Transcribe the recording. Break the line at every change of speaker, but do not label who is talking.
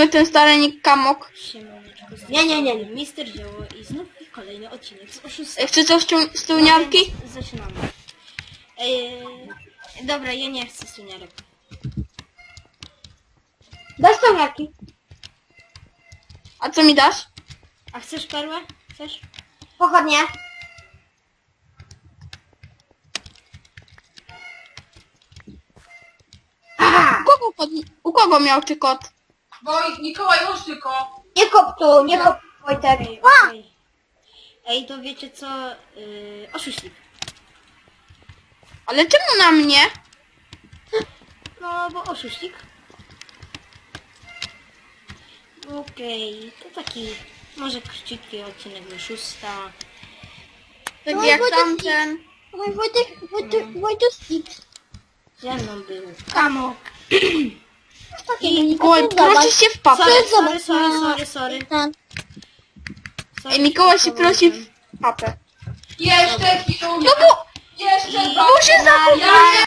ogóle ten stary nick Kamok.
Siemaneczko. Nie. Mister Zioło i znów kolejny odcinek z oszustwa.
Chce coś z tyłniarki?
No więc zaczynamy. Dobra, ja nie chcę suniarek.
Bez tyłniarki.
A co mi dasz?
A chcesz perłę? Chcesz?
Pochodnie.
U kogo miał ty kot?
Mikołaj, już tylko.
Nie kop tu, nie kop Wojtek.
Okej. Ej, to wiecie co? Oszuśnik.
Ale czemu na mnie?
No, bo oszuśnik. Okej, to taki może króciutki odcinek do szósta.
Tak
No,
jak
Wojtek-
tamten.
Wojtek X.
Ze mną był Kamok.
I
Mikołaj, prosi się w papę.
Sorry.
Ej, Mikołaj się prosi w papę.
Jeszcze chwilę.
No bo...
Jeszcze
Bo się zakupił.